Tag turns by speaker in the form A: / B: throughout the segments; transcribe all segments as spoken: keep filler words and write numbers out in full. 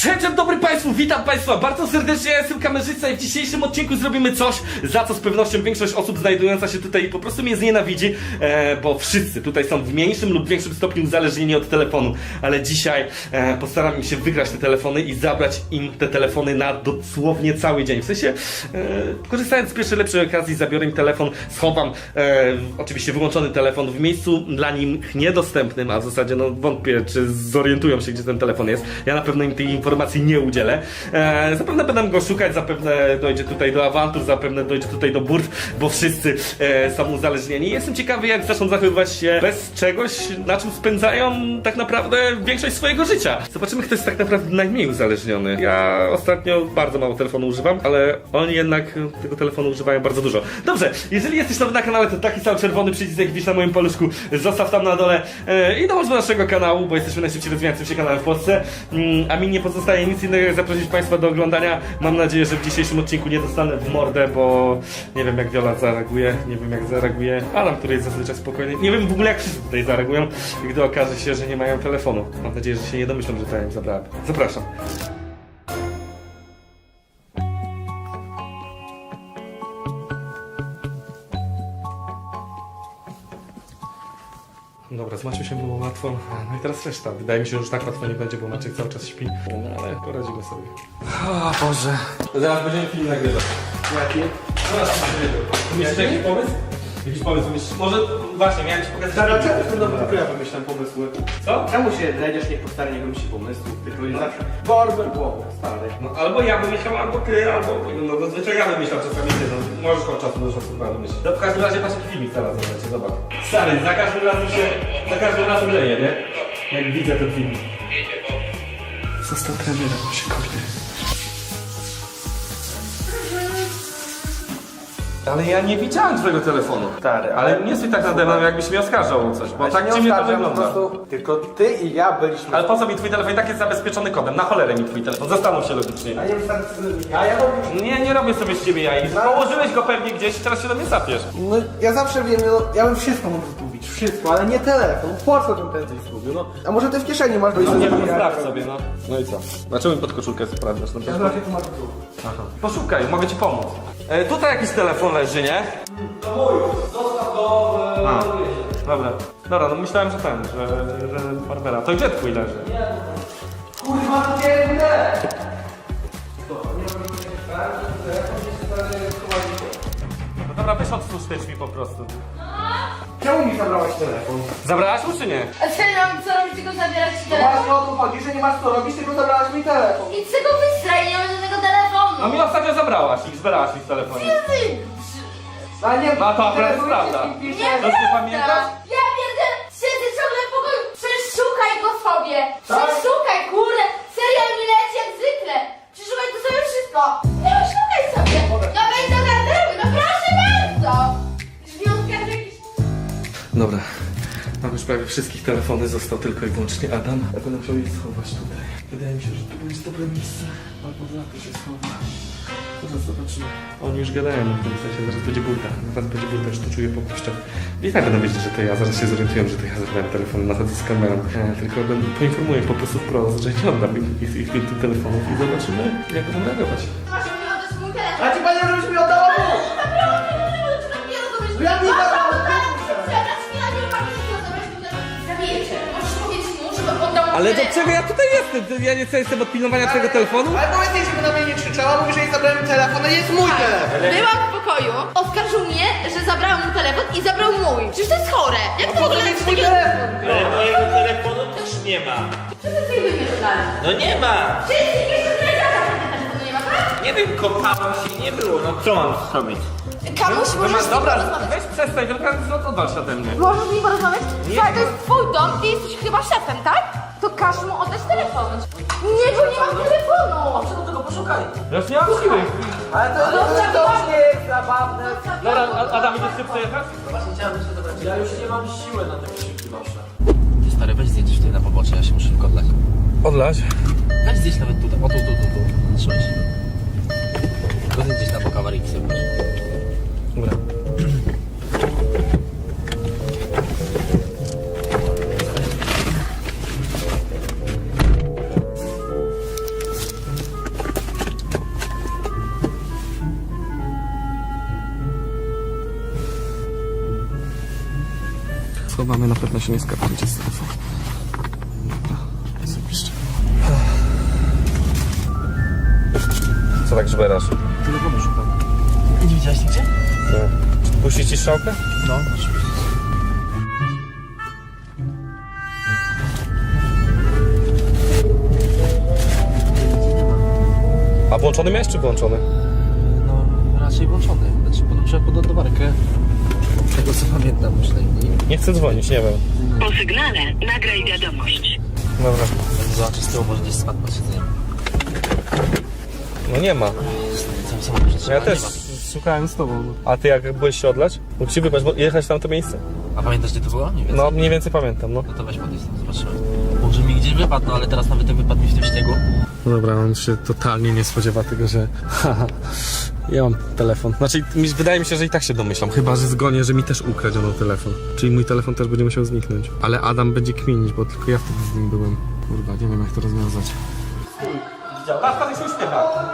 A: Cześć, dzień dobry Państwu, witam Państwa bardzo serdecznie, ja jestem kamerzysta i w dzisiejszym odcinku zrobimy coś, za co z pewnością większość osób znajdująca się tutaj po prostu mnie znienawidzi, e, bo wszyscy tutaj są w mniejszym lub większym stopniu uzależnieni od telefonu, ale dzisiaj e, postaram się wygrać te telefony i zabrać im te telefony na dosłownie cały dzień. W sensie, e, korzystając z pierwszej lepszej okazji, zabiorę im telefon, schowam e, oczywiście wyłączony telefon w miejscu dla nich niedostępnym, a w zasadzie no wątpię, czy zorientują się, gdzie ten telefon jest. Ja na pewno im tej informacji nie udzielę. E, zapewne będę go szukać, zapewne dojdzie tutaj do awantur, zapewne dojdzie tutaj do burt, bo wszyscy e, są uzależnieni. Jestem ciekawy, jak zaczną zachowywać się bez czegoś, na czym spędzają tak naprawdę większość swojego życia. Zobaczymy, kto jest tak naprawdę najmniej uzależniony. Ja ostatnio bardzo mało telefonu używam, ale oni jednak tego telefonu używają bardzo dużo. Dobrze, jeżeli jesteś nowy na kanale, to taki sam czerwony przycisk, jak widzisz na moim paluszku, zostaw tam na dole e, i dołącz do naszego kanału, bo jesteśmy najszybciej rozwijającym się kanałem w Polsce. Mm, a mi nie pozostaje nic innego, jak zaprosić Państwa do oglądania. Mam nadzieję, że w dzisiejszym odcinku nie dostanę w mordę, bo nie wiem, jak Viola zareaguje, nie wiem, jak zareaguje Adam, który jest zazwyczaj spokojny. Nie wiem w ogóle, jak wszyscy tutaj zareagują, gdy okaże się, że nie mają telefonu. Mam nadzieję, że się nie domyślą, że to ja im zabrałem. Zapraszam. Dobra, z Maciusiem było łatwo, no i teraz reszta. Wydaje mi się, że już tak łatwo nie będzie, bo Maciek cały czas śpi, no ale poradzimy sobie. O Boże. Zaraz będziemy film nagrywać.
B: Jaki?
A: Zaraz będziemy nagrywać. Myślisz jakiś pomysł? Jakiś pomysł myślisz? Może właśnie, miałem ci pokazać...
B: Zaraz, czemu w tym domu tylko ja wymyślam pomysły?
A: Co?
B: Czemu się znajdziesz niech po stary nie wymyśli pomysłów? Tylko jest zawsze borber głowy, stary.
A: No albo ja wymyślał, albo ty, albo... No zazwyczaj ja wymyślam czasami ty, no możesz od czasu do czasu chyba wymyślić. No w każdym razie patrz jaki filmik teraz zobaczcie, zobacz. Stary, za każdym razem się... za każdym razem leje, nie? Jak widzę ten filmik. Został trenerem, się kurde. Ale ja nie widziałem twojego telefonu.
B: Stary,
A: Ale nie stój tak nade mną, jakbyś mnie oskarżał o coś, bo
B: Ja
A: tak
B: się
A: dziwnie
B: nie
A: to
B: oskarżam,
A: wygląda.
B: po prostu tylko ty i ja byliśmy...
A: Ale po co mi twój telefon? I tak jest zabezpieczony kodem. Na cholerę mi twój telefon. Zastanów się logicznie.
B: A nie wystarczy ja, ja robię...
A: Nie, nie robię sobie z ciebie jaj. Położyłeś go pewnie gdzieś i teraz się do mnie sapiesz.
B: No ja zawsze wiem, no, ja bym wszystko mógł zgubić, wszystko, ale nie telefon. Po co bym prędzej zgubił, no? A może ty w kieszeni masz...
A: No nie wiem, sprawdź sobie, no. No i co? Dlaczego mi pod koszulkę sprawdzasz? No,
B: Ja zobaczę, tu masz tu.
A: aha. Poszukaj, mogę ci pomóc. E, tutaj jakiś telefon leży, nie?
B: To mój, zostaw go...
A: A. Dobra. Dobra, no myślałem, że ten, że, że Barbera. To gdzie twój leży?
B: Kurwa, to nie będę!
A: No dobra, weź otwórz te drzwi po prostu.
B: Czemu mi zabrałaś telefon?
A: Zabrałaś mu czy nie?
C: A co ja mam co robić, tylko zabierać ci
B: No
C: telefon?
B: właśnie o to chodzi, że nie masz co robić, tylko zabrałaś mi telefon.
C: I z tego wystraj, nie mam żadnego telefonu!
A: No mi ostatnio zabrałaś i zbierałaś mi z telefonem.
C: Ty,
B: Ale nie,
A: No to akurat
B: telefon
A: prawda.
B: jest i pisze-
C: nie
A: To ty
C: prawda!
A: pamiętasz?
C: Ja pierdzielę, siedzę ciągle w pokoju, przeszukaj go sobie!
B: Tak?
C: Przeszukaj, kurde! Serial mi leci jak zwykle! Przeszukaj to sobie wszystko! Nie, szukaj sobie! No wejdź do garderoby, no proszę bardzo! Drzwi otwierasz jakieś...
A: Dobra, mam już prawie wszystkich telefony, został tylko i wyłącznie Adam. Ja będę musiał je schować tutaj. Wydaje mi się, że tu jest dobre miejsce. Albo za to się schowa. Zaraz zobaczymy. Oni już gadają w tym sensie, zaraz będzie burda. Zaraz będzie burda, już to czuję po kościach. I tak będą wiedzieć, że to ja, zaraz się zorientują, że to ja zabrałem telefon, nachodzę z kamerą. E, tylko będę, poinformuję po prostu wprost, że nie oddam ich, ich, ich, ich tych telefonów i zobaczymy, jak będą reagować.
C: Masz mi oddać mój telefon!
B: A ci powiedział, żebyś mi oddała mu!
C: No
B: ja nie zabrałam.
A: Ale do czego ja tutaj jestem? Ja nie jestem od pilnowania twojego telefonu?
B: Ale powiedz, żeby na mnie nie krzyczała, mówi, że jej zabrałem telefon, a jest mój telefon!
C: Byłam w pokoju, oskarżył mnie, że zabrałam mu telefon i zabrał mój. Przecież to jest chore. Jak to w ogóle
B: jest
C: jest
B: mój
C: takie...
B: telefon!
D: Ale mojego telefonu też nie ma.
C: Co ty sobie wymyślasz?
D: No nie ma.
C: Wszystkich jeszcze zdradziaka telefonu nie ma, tak?
D: Nie wiem, kopałem się, nie było. No co mam zrobić?
C: Kamuś, możesz z nim
A: Dobra,
C: porozmawiać?
A: weź przestań, tylko oddal się ode mnie.
C: Możesz z nim porozmawiać? Słuchaj, to jest twój dom, ty jesteś chyba szefem, tak? To każ mu oddać telefon. Nie, bo nie mam telefonu.
B: Czego tego poszukaj?
A: Ja już nie mam siły.
B: Ale to, to, to, to już nie jest zabawne.
A: Dobra, A- Adam, idziesz się przejechać?
B: Właśnie chciałem jeszcze dobrać. Ja już nie mam siły na te krzyki wasze.
D: Stary, weź zdjęcie tutaj na pobocze, ja się muszę szybko odlać.
A: Odlać.
D: Weź zdjęć nawet tutaj, o tu, tu, tu, tu. Trzymaj się. Tylko zdjęć na bok awaryjki sobie proszę.
A: Dobra. schowamy, na pewno się nie skapniecie z telefonu. Dobra, zapiszcie. Co tak żberasz?
D: Telefonu szukam. Nie widziałeś nigdzie?
A: Nie. Puścić ci strzałkę?
D: No, oczywiście.
A: A włączony miałeś czy włączony?
D: No, raczej włączony. Znaczy, podłączyłem pod ładowarkę. Tego co pamiętam przynajmniej.
A: Nie chcę dzwonić, nie wiem.
E: Po sygnale nagraj wiadomość.
A: Dobra.
D: Zobaczę z tyłu, może gdzieś spadł na siedzenie.
A: No nie ma.
D: Cały samochód
A: Ja też szukałem z tobą. A ty jak byłeś się odlać? Mógł ci wybrać, bo jechać w tamto miejsce?
D: A pamiętasz gdzie to było? Nie wiem.
A: No, mniej więcej pamiętam, no.
D: No to weź podejść tam, zobaczymy. Może mi gdzieś wypadł, no ale teraz nawet jak wypadł mi w tym śniegu.
A: No dobra, on się totalnie nie spodziewa tego, że haha, ja mam telefon. Znaczy, mi, wydaje mi się, że i tak się domyślam. Chyba, że zgonię, że mi też ukradziono telefon. Czyli mój telefon też będzie musiał zniknąć. Ale Adam będzie kminić, bo tylko ja wtedy z nim byłem. Kurwa, nie wiem jak to rozwiązać. Patrz, patrz, się uśmiecha.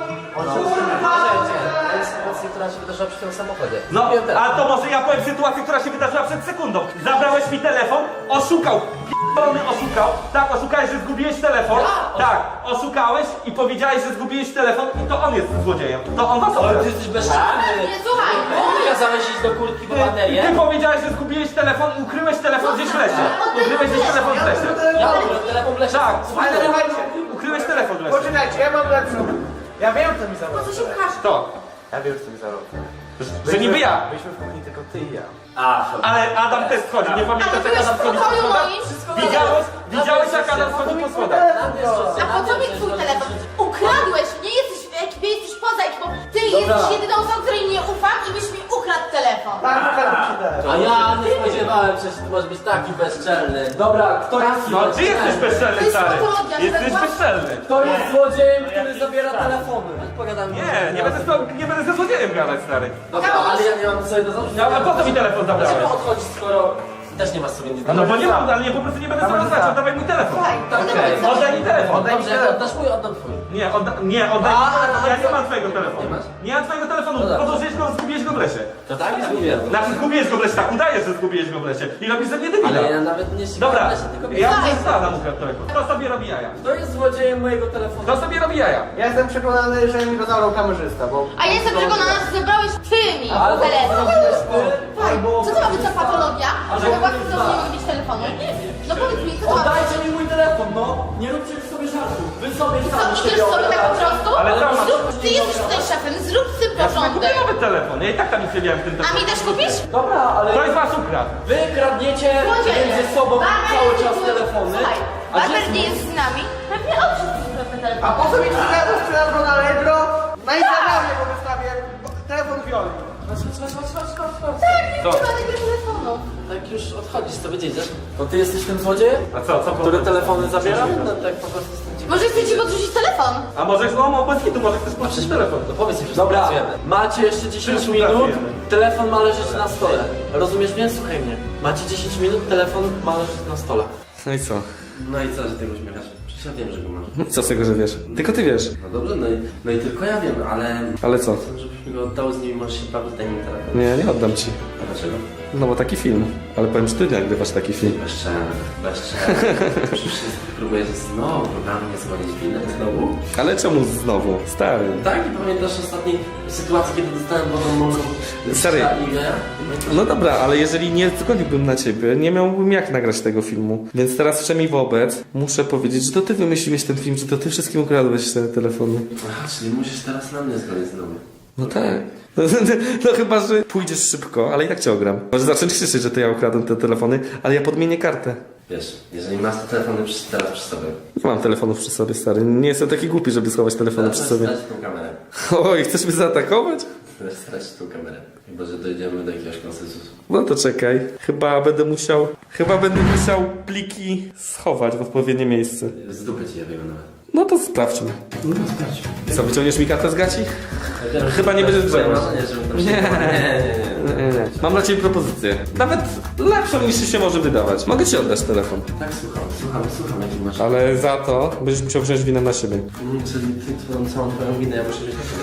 D: To jest sytuacja, która się wydarzyła przy tym samochodzie.
A: No, a to może ja powiem sytuację, która się wydarzyła przed sekundą. Zabrałeś mi telefon, oszukał. P***dolony oszukał. Tak, oszukałeś, że zgubiłeś telefon. Tak, oszukałeś i powiedziałeś, że zgubiłeś telefon i to on jest złodziejem. To on was
D: Ale ty
A: okradł.
D: jesteś bezczelny.
C: Nie, słuchaj,
D: Ty kazałeś iść do kurtki po
A: Ty
D: baterię.
A: powiedziałeś, że zgubiłeś telefon i ukryłeś telefon gdzieś w lesie. Ukryłeś gdzieś telefon w lesie.
D: Ja ukryłem telefon w lesie.
A: Tak,
B: Ale słuchajcie,
A: ukryłeś telefon w lesie.
B: poczekajcie, ja mam lepszą. Ja wiem, co mi
C: co
B: zarobił.
C: się pchasz?
A: To,
B: Ja wiem, co mi zarobił.
A: że niby ja.
B: Byliśmy w kuchni tylko ty i ja.
A: Ale Adam też schodzi, nie
C: Ale
A: pamiętasz jak
C: byłeś
A: Adam
C: w
A: schodzi po
C: pokoju
A: schodach?
C: moim, wszystko
A: Widziałeś, widziałeś jak Adam schodzi po schodach?
C: A po co mi twój telefon? Ukradłeś, nie jesteś w ekipie, jesteś poza ekipą. Ty jesteś jedyną osobą, której nie ufam i byś mi ukradł telefon.
B: Tak, ukradł ci telefon.
D: A ja nie spodziewałem się, że ty możesz być taki bezczelny. Dobra, kto jest
A: No ty jesteś bezczelny,
C: To jest
A: stary.
C: patologia,
A: Jesteś
C: że-
A: bezczelny.
D: Kto jest złodziejem, który zabiera telefony? Pogadamy.
A: Nie, nie będę, z tobą, nie będę ze złodziejem gadać, stary.
D: Dobra, ale ja nie mam sobie do zarzutu.
A: No, a po co mi telefon zabrałeś?
D: Dlaczego odchodzić, skoro też nie masz sobie nic do
A: No bo nie mam, ale nie, po prostu nie będę sobie rozmawiał, oddawaj mój telefon.
C: Słuchaj,
D: Okej.
A: Oddaj mi telefon.
D: Dobrze, jak oddasz mój, oddam twój.
A: Nie, odda, nie, oddaj mi
D: A,
A: telefon, ja
D: a,
A: nie
D: a,
A: mam twojego
D: nie
A: telefonu.
D: masz?
A: Nie mam twojego telefonu,
D: No dobrze.
A: podłożyłeś go, zgubiłeś go w lesie.
D: To tak jest mówiłem.
A: Znaczy zgubiłeś go w lesie, tak udajesz, że zgubiłeś go w lesie. I robisz ze mnie debila.
D: Ale ja nawet nie ścigałem
A: Dobra,
D: w lesie, tylko
A: ja
C: Słuchaj.
A: muszę Adam ukradł telefon. Kto sobie robi jaja?
D: Kto jest złodziejem mojego telefonu?
A: Kto sobie robi jaja?
B: Ja jestem przekonany, że mi go zabrał kamerzysta, bo...
C: A ja jestem przekonana, że zabrałeś ty mi
D: Albo
C: telefon.
D: zrobiłeś ty,
C: Słuchaj, co to ma być za patologia? Że we własnym domu nie mogę mieć telefonu? No powiedz mi, co to ma być?
D: Oddajcie mi mój telefon, no! Nie róbcie sobie żartu. Wy sobie
C: Co,
D: sami
C: idziesz
D: siebie
C: sobie tak po
D: obrażacie.
C: prostu?
A: Ale co masz?
C: Zrób, ty jesteś tutaj szefem, zrób z tym
A: Ja sobie kupię
C: porządek.
A: nowy telefon, ja i tak tam nic nie miałem w tym
C: A
A: telefonie.
C: mi też kupisz?
D: Dobra, ale
A: To jest was ukradł.
D: wy kradniecie
C: Złodzieje.
D: między sobą
C: Barber
D: cały
C: nie
D: czas
C: był-
D: telefony.
C: Słuchaj,
D: A gdzie
C: Barber
D: jest
C: nie
D: mój-
C: jest z nami. Pewnie on wszystko ukradł ten telefon.
B: A po co mi telefon sprzedał go na Allegro? Na Instagramie go wystawię. Telefon Violi.
D: Chodź, chodź, chodź, chodź, chodź, chodź.
C: Tak, nie
A: Co?
C: trzeba tego telefonu.
D: Tak już odchodzisz, to wiedzieć, to ty jesteś tym złodziejem?
A: A co, co?
D: Który telefony zabiera? No tak po prostu jestem ciekawy.
C: Może chcecie podrzucić telefon?
A: A może, no, no bez kitu, może chcesz patrzeć telefon.
D: No powiedz mi, że Dobra, macie jeszcze dziesięć
A: Wszyscy
D: minut,
A: pracujemy.
D: telefon ma leżeć na stole. Rozumiesz mnie? Słuchaj mnie. Macie dziesięć minut, telefon ma leżeć na stole.
A: No i co?
D: No i co, że ty go uśmiechasz? Przecież ja wiem, że go masz.
A: Co z tego, że wiesz? Tylko ty wiesz.
D: No dobrze, no i, no i tylko ja wiem, ale...
A: Ale co?
D: Chcę, żebyś mi go oddał, z nimi możesz się bawić, daj mi telefon.
A: Nie, nie oddam ci.
D: A dlaczego?
A: No bo taki film. Ale powiem, że ty nagrywasz taki film.
D: Bezczelny, bezczelny. Przecież próbujesz znowu na mnie zwalić winę, znowu?
A: Ale czemu znowu? Stary.
D: Tak, i pamiętasz ostatniej sytuacji, kiedy dostałem wodą morzą?
A: Stary.
D: Ja?
A: No dobra, ale jeżeli nie zgodziłbym na ciebie, nie miałbym jak nagrać tego filmu. Więc teraz wszemi wobec muszę powiedzieć, że to ty wymyśliłeś ten film, że to ty wszystkim ukradłeś te telefony.
D: Aha, czyli musisz teraz na mnie zgodzić znowu.
A: No tak. No, no chyba, że pójdziesz szybko, ale i tak cię ogram. Może zacząć krzyczeć, że to ja ukradłem te telefony, ale ja podmienię kartę.
D: Wiesz, jeżeli masz te telefony przy, teraz przy sobie,
A: Nie mam telefonów przy sobie, stary. Nie jestem taki głupi, żeby schować telefony przy sobie.
D: stracić tą kamerę.
A: Oj, chcesz mnie zaatakować?
D: Chcesz stracić tą kamerę. Chyba, że dojdziemy do jakiegoś konsensusu.
A: No to czekaj. Chyba będę musiał... Chyba będę musiał pliki schować w odpowiednie miejsce.
D: Z dupy ci ja wiem nawet.
A: No to sprawdźmy.
D: No sprawdź.
A: Co, wyciągniesz mi kartę z gaci?
D: Ja wiem,
A: Chyba
D: że
A: nie
D: to
A: będziesz
D: jest twoje
A: grzebać.
D: marzenie, żeby tam się...
A: Nie.
D: nie, nie, nie.
A: Nie, nie. Mam dla ciebie propozycję. Nawet lepszą niż się może wydawać. Mogę ci oddać telefon.
D: Tak, słucham, słucham, słucham, jaki masz...
A: Ale za to będziesz musiał wziąć winę na siebie.
D: Mm, Czyli ty twoją całą twoją winę ja muszę wziąć na siebie teraz.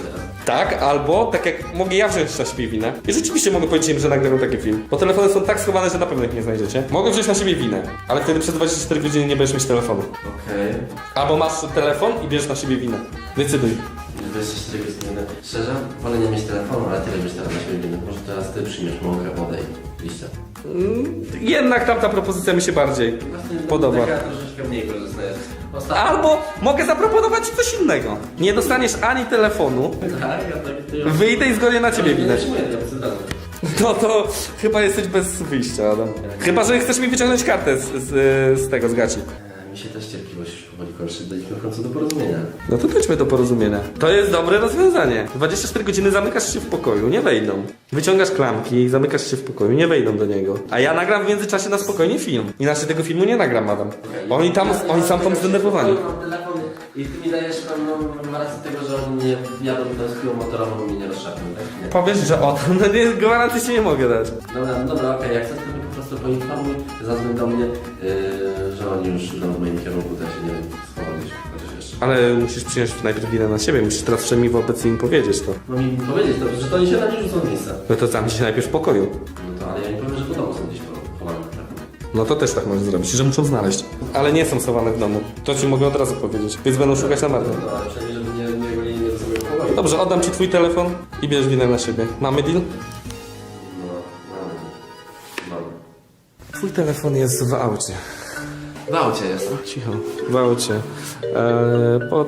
A: Tak, albo tak jak mogę ja wziąć na siebie winę. I rzeczywiście mogę powiedzieć im, że nagrywam taki film. Bo telefony są tak schowane, że na pewno ich nie znajdziecie. Mogę wziąć na siebie winę, ale wtedy przez dwadzieścia cztery godziny nie będziesz mieć telefonu.
D: Okej.
A: Albo masz telefon i bierzesz na siebie winę. Decyduj.
D: dwadzieścia cztery godziny. Szczerze, wolę nie mieć telefonu, ale tyle mieć teraz na siebie winy. Może teraz ty przyjmiesz mąkę, wodę i liścia.
A: Mm, jednak tamta propozycja mi się bardziej podoba.
D: Taka troszeczkę mniej korzystna jest. Ostatnio...
A: Albo mogę zaproponować ci coś innego. Nie dostaniesz ani telefonu,
D: Tak, ja tak... Ty...
A: wyjdę i zgonię na ciebie winę.
D: Nie przyjmuję tego, co dalej.
A: No to chyba jesteś bez wyjścia, Adam. Chyba, że chcesz mi wyciągnąć kartę z, z, z tego, z gaci.
D: E, Mi się też cierpliwość już powoli kończy. Dojdźmy w końcu do porozumienia.
A: No to dojdźmy do porozumienia. To jest dobre rozwiązanie. dwadzieścia cztery godziny zamykasz się w pokoju, nie wejdą. Wyciągasz klamki, zamykasz się w pokoju, nie wejdą do niego. A ja nagram w międzyczasie na spokojnie film. Inaczej tego filmu nie nagram, Adam. Oni tam, oni są tam zdenerwowani.
D: Mam telefon i ty mi dajesz pewną rację tego, że oni nie jadą tą piłą motorową i mnie nie rozszapią, tak? Nie.
A: Powiesz, że o to, no nie, gwarancji ci nie mogę dać.
D: Dobra, no dobra, okej, jak chcesz, to mnie po prostu poinformuj, zadzwoń do mnie, yy, że oni już idą w moim kierunku, tak się nie schowam gdzieś, chociaż jeszcze.
A: Ale musisz przyjąć najpierw winę na siebie, musisz teraz wszemi wobec im powiedzieć to.
D: Mam im powiedzieć to, że to oni się na mnie rzucą w miejsce.
A: No to zamknij się najpierw w pokoju.
D: No to, ale ja im powiem, że po domu są gdzieś chowane, tak?
A: No to też tak możesz zrobić, że muszą znaleźć. Ale nie są schowane w domu. To ci mogę od razu powiedzieć. Więc będą szukać na marne.
D: No, ale przynajmniej, żeby nie, nie golili mnie do sobie pokoju.
A: Dobrze, oddam ci twój telefon i bierz winę na siebie. Mamy deal?
D: No, mamy. Mamy.
A: Twój telefon jest w aucie.
D: W aucie jest.
A: Cicho. W aucie. Eee, pod...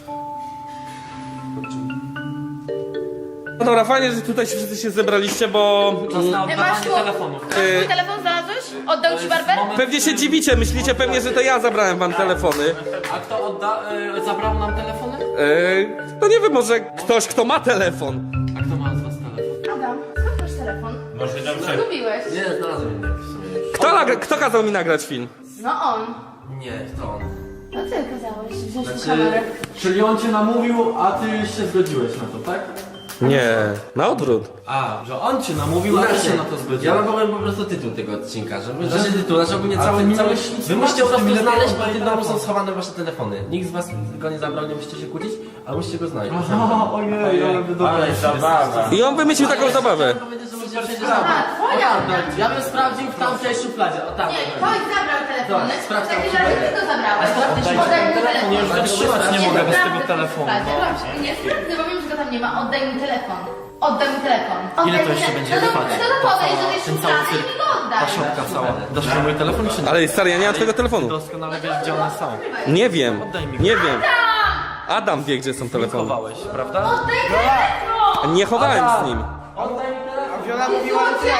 A: No dobra, fajnie, że tutaj się wszyscy się zebraliście, bo... mm,
C: Ty masz tu...
F: telefonów.
C: Masz mój telefon znalazłeś? Oddał ci barber?
A: Pewnie się dziwicie, myślicie pewnie, że to ja zabrałem wam telefony.
F: A kto odda, y, zabrał nam telefony?
A: Eee, no nie wiem, może ktoś, kto ma telefon.
F: A kto ma z was telefon?
C: Adam, skąd masz telefon?
G: Może dobrze.
C: Zgubiłeś.
D: Nie, znalazłem inny w sumie już.
A: Kto, nagra- kto kazał mi nagrać film?
C: No on.
D: Nie, to on.
C: No ty kazałeś wziąć
D: Znaczy-
C: kamerę.
F: Czyli on cię namówił, a ty się zgodziłeś na to, tak?
A: Nie, na odwrót.
F: A, że on cię namówił, a ty się na to
D: Ja
F: zgodziłeś.
D: wam powiem po prostu tytuł tego odcinka, żeby... Znaczy tytuł, znaczy ogólnie
F: A
D: cały...
F: ty nie
D: cały...
F: miałeś nic
D: Wy musicie po
F: zobaczyć,
D: prostu
F: ty mi
D: znaleźć,
F: lepiej
D: bo w tym
F: oddaj
D: domu są
F: telefon.
D: schowane wasze telefony. Nikt z was go nie zabrał, nie musicie się kłócić, ale musicie go znaleźć.
F: Aha, ojej, ale wy dobra.
G: Ale zabawa.
A: I on wymyślił taką zabawę.
D: Powiedzieć, że musicie przejść
C: Aha, twoja.
F: Ja bym sprawdził w tamtej szufladzie, o tam.
C: Nie, ktoś zabrał telefony.
D: Tak, sprawdź
C: W
D: tam
C: takim
D: w
C: razie
D: szufladzie.
C: ty to zabrałeś.
F: Oddaj
C: Oddaj mi
F: mi telefon, ja już
C: telefon.
F: wytrzymać nie mogę bez tego
C: sprawdzę
F: telefonu.
C: w szufladzie. Dobrze, nie sprawdzę, bo wiem, że go tam nie ma. Oddaj mi telefon. Oddaj mi telefon.
F: Ile
C: Oddaj
F: to
C: mi
F: jeszcze
C: te-
F: będzie
C: no to,
F: trwać?
C: no to podejdź do tej
F: Ten cały
C: szuflady i
F: cyrk.
C: mi go oddaj.
F: Ta szopka cała. Dasz mi mój telefon czy nie?
A: Ale stary, ja nie mam twojego telefonu.
F: Doskonale wiesz, gdzie one są.
A: Nie wiem,
F: Oddaj mi go.
A: nie wiem. Adam wie, gdzie są telefony.
F: Chowałeś, prawda?
C: Oddaj telefon!
A: Nie chowałem z nim.
F: Oddaj mi telefon.
B: Wiola mówiła, że ty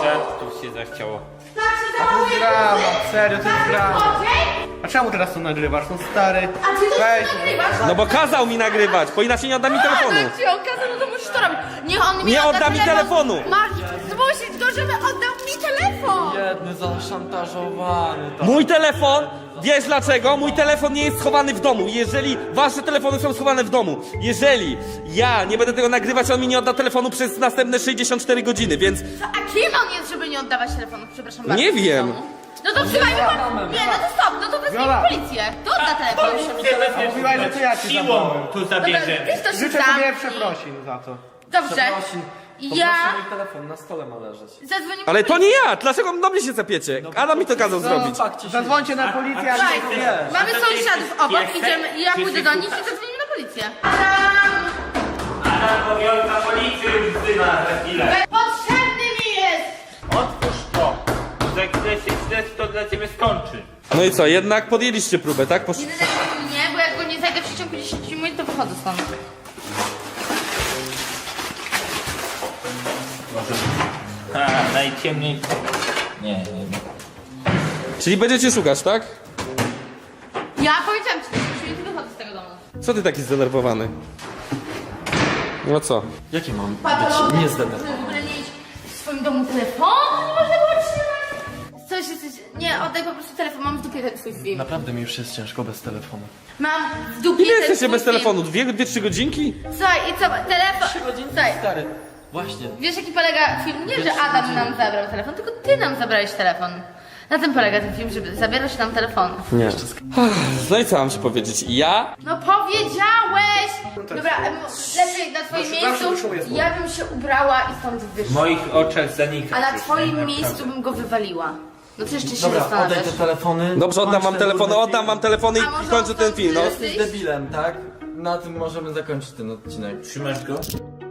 G: Tu się zachciało.
C: Tak się
B: To jest drama,
C: zachowujesz?
B: serio, to jest drama.
C: Złodziej?
B: A czemu teraz to nagrywasz? No stary.
C: A ty to
B: Weź.
C: nagrywasz?
A: No bo kazał mi nagrywać, bo inaczej nie odda mi telefonu.
C: A, jak ci on kazał, no to musisz to robić. Niech on mi
A: Nie
C: odda
A: odda mi telefonu.
C: Masz zmusić go, żeby oddał mi telefon.
F: Jedny zaszantażowany. To.
A: Mój telefon, wiesz dlaczego? Mój telefon nie jest schowany w domu. Jeżeli wasze telefony są schowane w domu, jeżeli ja nie będę tego nagrywać, on mi nie odda telefonu przez następne sześćdziesiąt cztery godziny, więc
C: A kim on jest, żeby nie oddawać telefonu? Przepraszam bardzo.
A: Nie
C: w
A: wiem.
C: domu? No to trzymaj mi Nie, no to stop, no to wezmij
B: Viola.
C: policję. To odda telefon.
B: Mówiłaś, że to ja ci
G: Siłą
B: zabrałem.
G: tu
C: Dobra,
G: zabierzemy.
C: ty to się
B: Życzę
C: sam
B: tobie
C: i-
B: przeprosin za to.
C: Dobrze.
F: Przeprosin.
C: Ja
F: Poproszę mój telefon, na stole ma leżeć.
C: zadzwonię
A: ale
C: po
A: to
C: policję.
A: nie ja! Dlaczego do mnie się zapiecie? Adam mi to kazał zrobić.
F: Fakcie się...
B: Zadzwońcie na policję, a
C: Słuchaj,
B: nie.
C: mamy
G: A to ty
C: sąsiadów
G: jesteś
C: obok,
G: piesek?
C: idziemy, ja
G: Czy
C: pójdę
G: jesteś
C: do nich i
G: słuchacz?
C: zadzwonimy na policję. Adam!
G: Adam Bowiolka, policję już wzywa za chwilę.
C: Potrzebny mi jest!
G: Otwórz to. Za chwilę się śledztwo dla ciebie skończy.
A: No i co, jednak podjęliście próbę, tak? Posz...
C: Nie denerwuj mnie, bo jak go nie zajdę w przeciągu dziesięć minut, to wychodzę stąd.
G: A, najciemniej. Nie, nie, nie.
A: Czyli będziecie szukać, tak?
C: Ja powiedziałam ci, że dziesięć minut wychodzę z tego domu.
A: Co ty taki zdenerwowany? No co?
F: Jaki mam
C: Patologia,
F: być niezdenerwowany?
C: żeby w ogóle mieć w swoim domu telefon? Nie można było trzymać. Coś jesteś... Nie, oddaj po prostu telefon, mam w dupie ten twój film.
F: Naprawdę mi już jest ciężko bez telefonu.
C: Mam w dupie
A: Ile
C: ten
A: jesteście
C: twój
A: bez
C: film.
A: telefonu? Dwie, dwie, trzy godzinki?
C: Słuchaj, i co, telefon...
F: Trzy godziny
C: Słuchaj,
F: stary. Właśnie.
C: wiesz jaki polega film? Nie, że Adam nam zabrał telefon, tylko ty nam zabrałeś telefon. Na tym polega ten film, żeby zabierasz nam telefon.
A: Nie. No i co mam ci powiedzieć? Ja
C: No powiedziałeś! Dobra, em, lepiej na twoim
B: Zawsze- zawsze
C: miejscu
B: wyszło jest
C: ja bym się ubrała i stąd
G: W
C: wyszła.
G: moich oczach zanika.
C: A na
G: coś,
C: twoim
G: naprawdę.
C: miejscu bym go wywaliła. No co jeszcze się
F: Dobra, oddaj
C: zastanawiasz?
F: te telefony.
A: Dobrze, oddam
F: kończ
A: wam
F: ten
A: telefony,
F: durny
A: oddam
F: film.
A: wam telefony
C: A może
A: i kończę ten film, no.
C: on
F: Jesteś debilem, tak? Na tym możemy zakończyć ten odcinek.
G: Trzymasz go?